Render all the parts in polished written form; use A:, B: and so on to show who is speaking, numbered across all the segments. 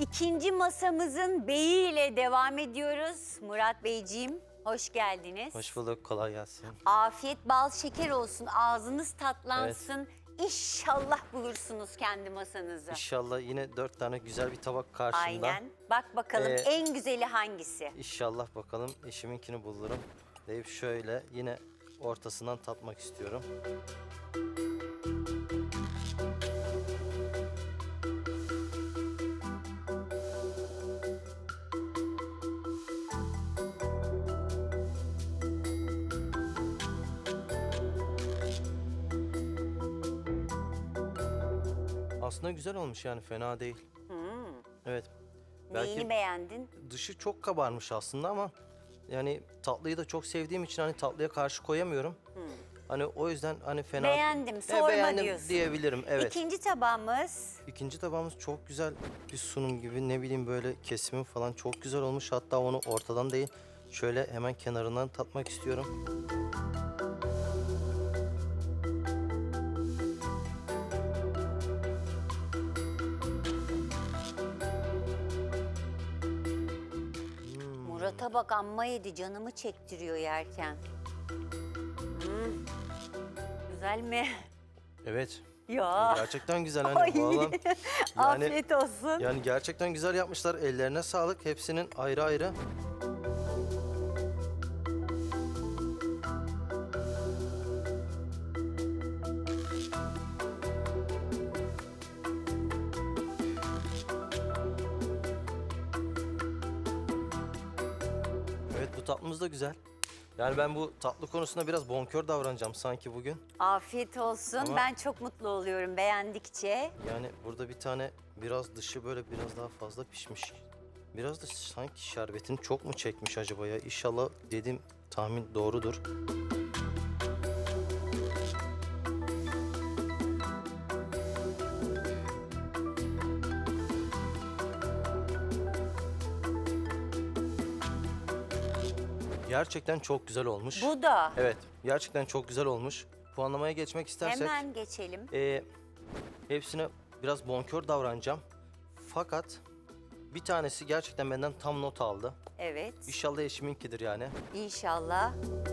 A: İkinci masamızın beyiyle devam ediyoruz. Murat Beyciğim, hoş geldiniz.
B: Hoş bulduk, kolay gelsin.
A: Afiyet bal şeker olsun, ağzınız tatlansın. İnşallah bulursunuz kendi masanızı.
B: İnşallah yine 4 tane güzel bir tabak karşımda.
A: Aynen. Bak bakalım en güzeli hangisi?
B: İnşallah bakalım eşiminkini bulurum. Deyip şöyle yine ortasından tatmak istiyorum. Aslında güzel olmuş yani fena değil. Evet.
A: Neyini beğendin?
B: Dışı çok kabarmış aslında ama yani tatlıyı da çok sevdiğim için hani tatlıya karşı koyamıyorum. Hani o yüzden hani fena...
A: Beğendim, sorma
B: beğendim
A: diyorsun.
B: diyebilirim, evet.
A: İkinci tabağımız.
B: İkinci tabağımız çok güzel bir sunum gibi, ne bileyim böyle kesimi falan çok güzel olmuş. Hatta onu ortadan değil şöyle hemen kenarından tatmak istiyorum.
A: Murat'a bak amma yedi, canımı çektiriyor yerken. Güzel mi?
B: Evet.
A: Ya.
B: Gerçekten güzel
A: Ay.
B: hani vallahi. Yani,
A: Afiyet olsun.
B: yani gerçekten güzel yapmışlar. Ellerine sağlık. Hepsinin ayrı ayrı. Evet, bu tatlımız da güzel. Yani ben bu tatlı konusunda biraz bonkör davranacağım sanki bugün.
A: Afiyet olsun.
B: Ama-
A: Ben çok mutlu oluyorum beğendikçe.
B: Yani burada bir tane biraz dışı böyle biraz daha fazla pişmiş. Biraz da sanki şerbetini çok mu çekmiş acaba ya? İnşallah dediğim tahmin doğrudur. Gerçekten çok güzel olmuş.
A: Bu da.
B: Evet, gerçekten çok güzel olmuş. Puanlamaya geçmek istersek...
A: Hemen geçelim.
B: Hepsine biraz bonkör davranacağım. Fakat bir tanesi gerçekten benden tam not aldı.
A: Evet.
B: İnşallah eşiminkidir yani.
A: İnşallah.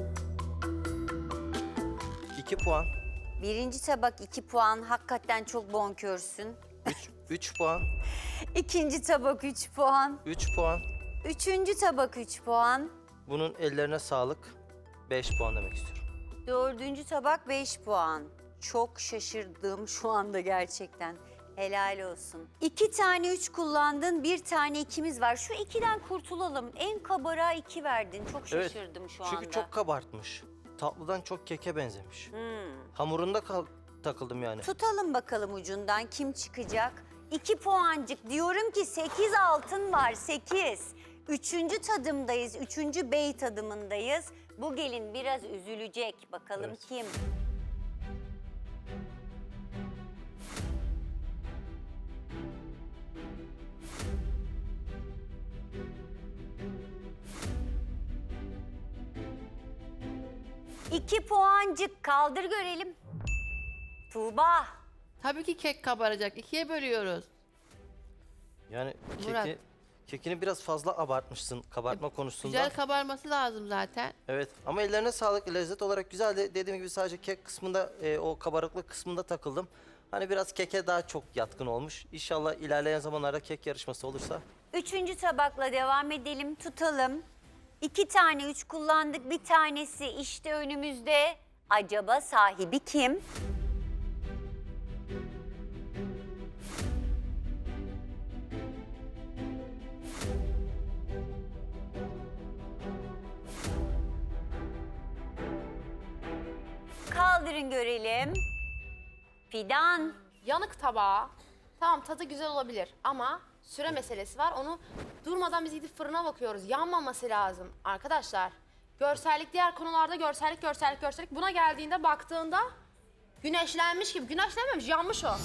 B: 2 puan,
A: Birinci tabak 2 puan. Hakikaten çok bonkörsün.
B: 3 puan,
A: İkinci tabak 3 puan.
B: 3 puan.
A: Üçüncü tabak 3 puan.
B: Bunun ellerine sağlık. 5 puan demek istiyorum.
A: Dördüncü tabak 5 puan. Çok şaşırdım şu anda gerçekten. Helal olsun. 2 tane 3 kullandın, 1 tane 2'miz var. Şu 2'den kurtulalım. En kabara 2 verdin. Çok şaşırdım şu anda.
B: Çünkü çok kabartmış. Tatlıdan çok keke benzemiş. Hamurunda takıldım yani.
A: Tutalım bakalım ucundan kim çıkacak? 2 puancık, diyorum ki 8 altın var, 8. Üçüncü tadımdayız, üçüncü bey tadımındayız. Bu gelin biraz üzülecek. Bakalım
B: Evet.
A: kim? İki puancık, kaldır görelim. Tuğba.
C: Tabii ki kek kabaracak. İkiye bölüyoruz.
B: Yani
C: Murat.
B: kekini biraz fazla abartmışsın kabartma konusunda.
C: Güzel kabarması lazım zaten.
B: Evet ama ellerine sağlık, lezzet olarak güzeldi. Dediğim gibi sadece kek kısmında, o kabarıklık kısmında takıldım. Hani biraz keke daha çok yatkın olmuş. İnşallah ilerleyen zamanlarda kek yarışması olursa.
A: Üçüncü tabakla devam edelim, tutalım. 2 tane 3 kullandık, bir tanesi işte önümüzde. Acaba sahibi kim? Kaldırın görelim. Fidan.
D: Yanık tabağı. Tamam, tadı güzel olabilir ama süre meselesi var. Onu durmadan biz gidip fırına bakıyoruz. Yanmaması lazım arkadaşlar. Görsellik, diğer konularda görsellik. Buna geldiğinde baktığında güneşlenmiş gibi. Güneşlenmemiş, yanmış o.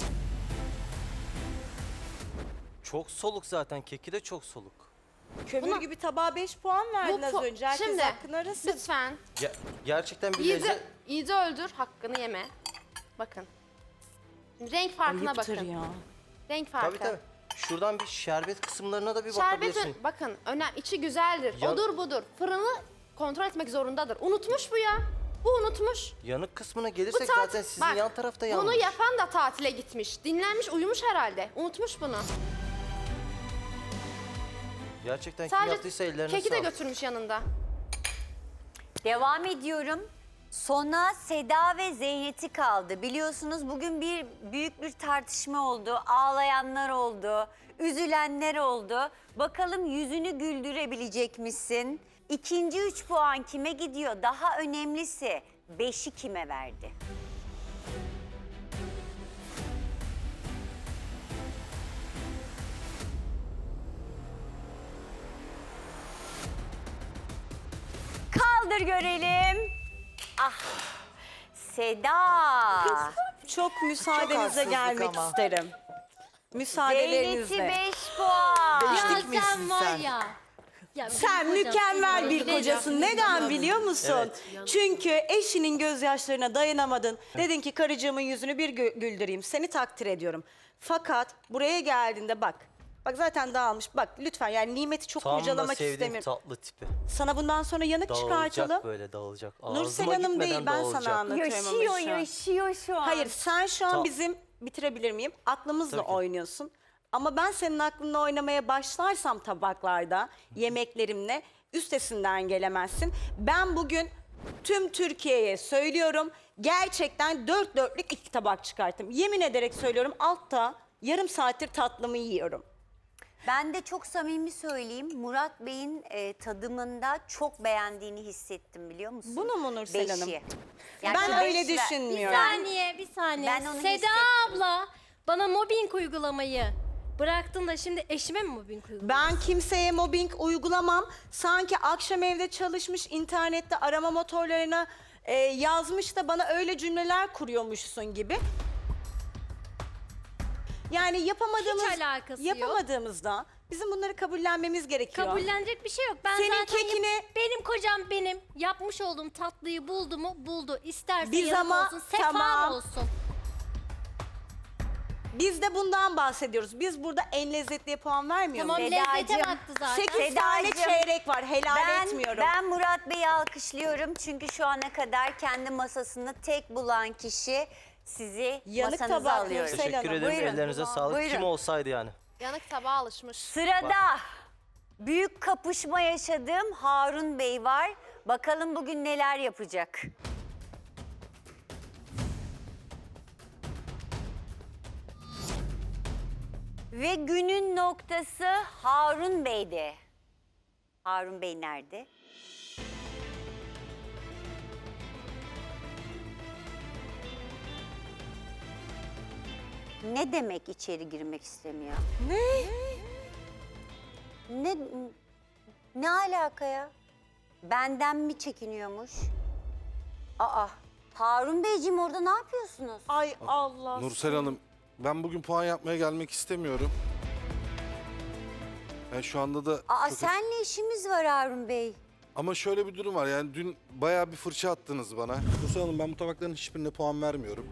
B: Çok soluk zaten, keki de çok soluk.
E: Kömür gibi tabağa 5 puan verdin az önce. Herkes
D: Şimdi
E: hakkını arasın.
D: lütfen
B: Gerçekten bir
D: yiğidi,
B: lezzet...
D: yiğidi öldür, hakkını yeme. Bakın. Şimdi renk farkına
E: Ayıptır
D: bakın.
E: ya.
D: Renk farkı.
B: Tabii tabii. Şuradan bir şerbet kısımlarına da bir
D: Şerbet
B: bakabilirsin.
D: bakın içi güzeldir.
B: Ya-
D: Odur budur. Fırını kontrol etmek zorundadır. Unutmuş bu ya. Bu unutmuş.
B: Yanık kısmına
D: Bu
B: gelirsek
D: tat-
B: zaten sizin
D: bak,
B: yan tarafta yanmış.
D: Bunu yapan da tatile gitmiş. Dinlenmiş, uyumuş herhalde. Unutmuş bunu.
B: Gerçekten kim
D: Sadece
B: yaptıysa ellerine
D: keki de
B: sağlık.
D: götürmüş yanında.
A: Devam ediyorum. Sona Seda ve Zeynep'i kaldı. Biliyorsunuz bugün büyük bir tartışma oldu. Ağlayanlar oldu, üzülenler oldu. Bakalım yüzünü güldürebilecek misin? İkinci 3 puan kime gidiyor? Daha önemlisi 5'i kime verdi? Kaldır görelim. Ah, Seda.
E: Çok müsaadenize
F: haksızlık
E: gelmek
F: ama.
E: isterim.
A: Zeynep'i
E: Müsaadelerinizle.
A: 5 puan.
F: Ya
G: Ya
F: misin
G: sen var
F: sen?
G: ya. Ya
E: Sen
G: benim kocam
E: mükemmel
G: seni
E: bir
G: öldürecek.
E: kocasın. Neden biliyor musun?
B: Evet.
E: Çünkü eşinin gözyaşlarına dayanamadın. Dedin ki karıcığımın yüzünü bir güldüreyim. Seni takdir ediyorum. Fakat buraya geldiğinde bak. Bak zaten dağılmış. Bak lütfen yani nimeti çok
B: Tam da
E: kurcalamak
B: sevdiğim
E: istemiyorum.
B: tatlı tipi.
E: Sana bundan sonra yanık çıkartalım.
B: Dağılacak böyle dağılacak.
E: Nursel
B: Ağzıma
E: Hanım değil
B: gitmeden
E: ben
B: dağılacak.
E: sana anlatıyorum
A: Yaşıyor,
E: ama şu an.
A: yaşıyor şu an.
E: Hayır sen şu an
B: Tamam.
E: bizim bitirebilir miyim? Aklımızla
B: Tabii ki.
E: oynuyorsun. Ama ben senin aklınla oynamaya başlarsam tabaklarda, yemeklerimle üstesinden gelemezsin. Ben bugün tüm Türkiye'ye söylüyorum. Gerçekten 4 dörtlük 2 tabak çıkarttım. Yemin ederek söylüyorum altta yarım saattir tatlımı yiyorum.
A: Ben de çok samimi söyleyeyim. Murat Bey'in tadımında çok beğendiğini hissettim biliyor musun?
E: Bunu mu Nursel Hanım?
A: Beşi.
E: Ben
A: şu
E: öyle
A: beş ver-
E: düşünmüyorum.
G: Bir saniye.
A: Ben onu
G: Seda
A: hissettim.
G: abla bana mobbing uygulamayı bıraktın da şimdi eşime mi mobbing uyguluyorsun?
E: Ben kimseye mobbing uygulamam. Sanki akşam evde çalışmış internette arama motorlarına yazmış da bana öyle cümleler kuruyormuşsun gibi. Yani yapamadığımızda bizim bunları kabullenmemiz gerekiyor.
G: Kabullenecek bir şey yok. Ben
E: Senin
G: zaten
E: kekini-
G: benim kocam benim yapmış olduğum tatlıyı buldu mu buldu. İsterse
E: Biz
G: yanık
E: ama-
G: olsun, sefa
E: tamam.
G: olsun.
E: Biz de bundan bahsediyoruz. Biz burada en lezzetliye puan vermiyor
G: Tamam
E: muyuz?
G: lezzete
A: Sedacığım,
G: baktı zaten.
E: 8 tane
A: Sedacığım,
E: çeyrek var. Helal etmiyorum.
A: Ben Murat Bey'i alkışlıyorum. Çünkü şu ana kadar kendi masasını tek bulan kişi sizi
E: Yanık
A: masanıza
E: tabak
A: alıyorum.
E: Nursel
B: Teşekkür
E: Hanım,
B: ederim.
A: buyurun.
B: Ellerinize sağlık.
A: Buyurun.
B: Kim olsaydı yani.
D: Yanık tabağa alışmış.
A: Sırada büyük kapışma yaşadığım Harun Bey var. Bakalım bugün neler yapacak. Ve günün noktası Harun Bey'de. Harun Bey nerede? Ne demek içeri girmek istemiyor? Ne alaka ya? Benden mi çekiniyormuş? Aa, Harun Beyciğim orada ne yapıyorsunuz?
E: Ay Allah.
H: Nursel Hanım, ben bugün puan yapmaya gelmek istemiyorum. Yani şu anda da
A: Aa,
H: çok-
A: senle işimiz var Harun Bey.
H: Ama şöyle bir durum var. Yani dün bayağı bir fırça attınız bana. Nursel Hanım, ben bu tabakların hiçbirine puan vermiyorum.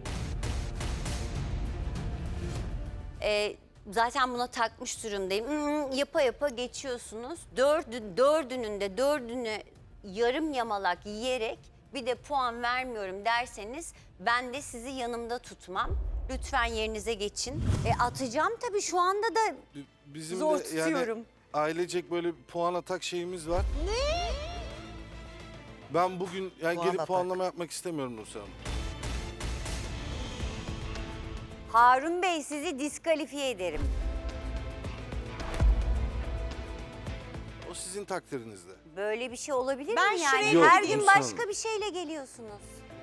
A: Zaten buna takmış durumdayım. Yapa yapa geçiyorsunuz. Dördünü yarım yamalak yiyerek bir de puan vermiyorum derseniz ben de sizi yanımda tutmam. Lütfen yerinize geçin. Atacağım tabii şu anda da
H: Bizim
A: Zor
H: de
A: tutuyorum.
H: yani ailecek böyle bir puan atak şeyimiz var. Ne? Ben bugün yani
F: Puan
H: gelip
F: atak.
H: puanlama yapmak istemiyorum Nursel Hanım.
A: Harun Bey sizi diskalifiye ederim.
H: O sizin takdirinizde.
A: Böyle bir şey olabilir
E: Ben
A: mi yani?
E: şuraya
A: Her
H: gideyim.
A: gün
H: Yok,
A: başka
H: Nursel
A: bir şeyle geliyorsunuz.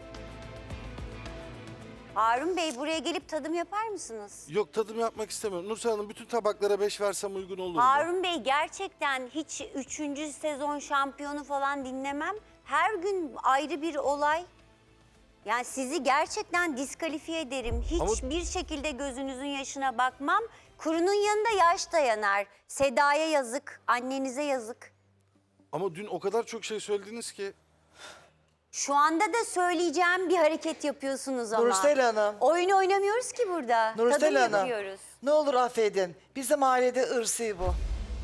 A: Harun Bey buraya gelip tadım yapar mısınız?
H: Yok, tadım yapmak istemiyorum. Nursel Hanım, bütün tabaklara 5 versem uygun olur mu?
A: Harun Bey gerçekten hiç 3. sezon şampiyonu falan dinlemem. Her gün ayrı bir olay. Yani sizi gerçekten diskalifiye ederim. Hiçbir şekilde gözünüzün yaşına bakmam. Kurunun yanında yaş dayanar. Seda'ya yazık, annenize yazık.
H: Ama dün o kadar çok şey söylediniz ki.
A: Şu anda da söyleyeceğim bir hareket yapıyorsunuz ama.
F: Nursel Hanım.
A: Oyun oynamıyoruz ki burada.
F: Nursel
A: Tadım
F: Hanım.
A: yapıyoruz.
F: Ne olur affedin. Bizim ailede ırsi bu.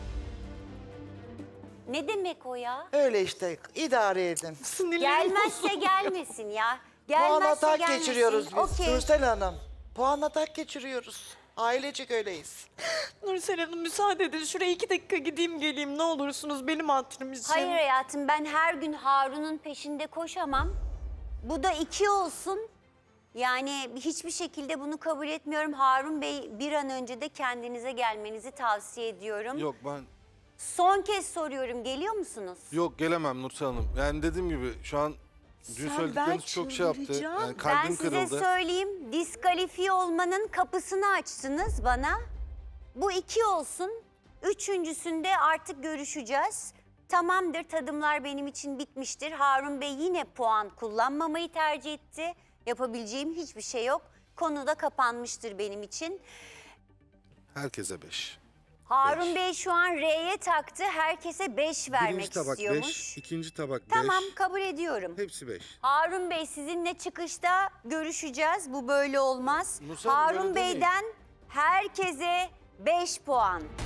A: Ne demek o ya?
F: Öyle işte idare edin.
A: Gelmezse gelmesin ya.
F: Puan
A: Gelmezse
F: atak
A: gelmesin.
F: geçiriyoruz biz.
A: Okey.
F: Nursel Hanım. Puan atak geçiriyoruz. Ailecek öyleyiz.
I: Nursel Hanım müsaade edin. Şuraya 2 dakika gideyim geleyim ne olursunuz benim hatırım için.
A: Hayır hayatım, ben her gün Harun'un peşinde koşamam. Bu da 2 olsun. Yani hiçbir şekilde bunu kabul etmiyorum. Harun Bey, bir an önce de kendinize gelmenizi tavsiye ediyorum.
H: Yok ben
A: Son kez soruyorum, geliyor musunuz?
H: yok gelemem Nursel Hanım. Yani dediğim gibi şu an dün söyledikleriniz çok şey yaptı.
I: çıldıracağım.
H: Yani
A: Ben
H: kalbim
A: size
H: kırıldı.
A: söyleyeyim, diskalifiye olmanın kapısını açtınız bana. Bu 2 olsun. Üçüncüsünde artık görüşeceğiz. Tamamdır, tadımlar benim için bitmiştir. Harun Bey yine puan kullanmamayı tercih etti. Yapabileceğim hiçbir şey yok. Konu da kapanmıştır benim için.
H: Herkese 5.
A: Harun
H: Beş.
A: Bey şu an R'ye taktı. Herkese 5 vermek
H: Birinci tabak
A: istiyormuş.
H: 5, ikinci tabak 5.
A: Tamam, kabul ediyorum.
H: Hepsi 5.
A: Harun Bey, sizinle çıkışta görüşeceğiz. Bu böyle olmaz.
H: Nursel Hanım,
A: Harun
H: öyle demeyin.
A: Bey'den herkese 5 puan.